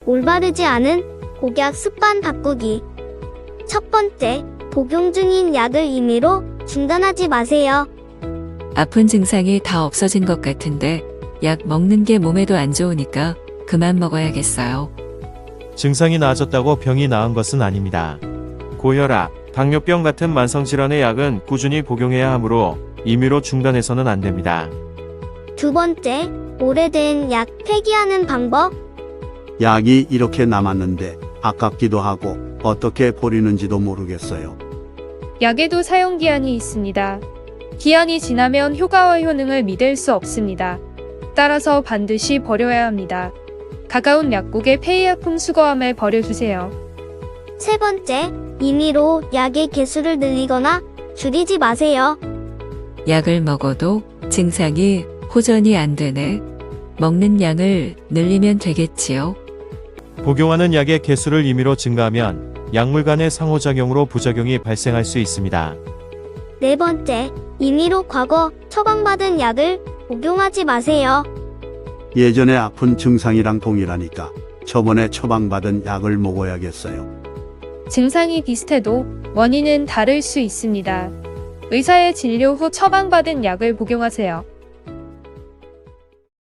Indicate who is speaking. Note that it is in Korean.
Speaker 1: 올바르지 않은 복약 습관 바꾸기. 첫 번째, 복용 중인 약을 임의로 중단하지 마세요.
Speaker 2: 아픈 증상이 다 없어진 것 같은데 약 먹는 게 몸에도 안 좋으니까 그만 먹어야겠어요.
Speaker 3: 증상이 나아졌다고 병이 나은 것은 아닙니다. 고혈압, 당뇨병 같은 만성질환의 약은 꾸준히 복용해야 하므로 임의로 중단해서는 안 됩니다.
Speaker 1: 두 번째, 오래된 약 폐기하는 방법.
Speaker 4: 약이 이렇게 남았는데 아깝기도 하고 어떻게 버리는지도 모르겠어요.
Speaker 5: 약에도 사용기한이 있습니다. 기한이 지나면 효과와 효능을 믿을 수 없습니다. 따라서 반드시 버려야 합니다. 가까운 약국의 폐의약품 수거함을 버려주세요.
Speaker 1: 세 번째, 임의로 약의 개수를 늘리거나 줄이지 마세요.
Speaker 2: 약을 먹어도 증상이 호전이 안 되네. 먹는 양을 늘리면 되겠지요.
Speaker 3: 복용하는 약의 개수를 임의로 증가하면 약물 간의 상호작용으로 부작용이 발생할 수 있습니다.
Speaker 1: 네 번째, 임의로 과거 처방받은 약을 복용하지 마세요.
Speaker 4: 예전에 아픈 증상이랑 동일하니까 저번에 처방받은 약을 먹어야겠어요.
Speaker 5: 증상이 비슷해도 원인은 다를 수 있습니다. 의사의 진료 후 처방받은 약을 복용하세요.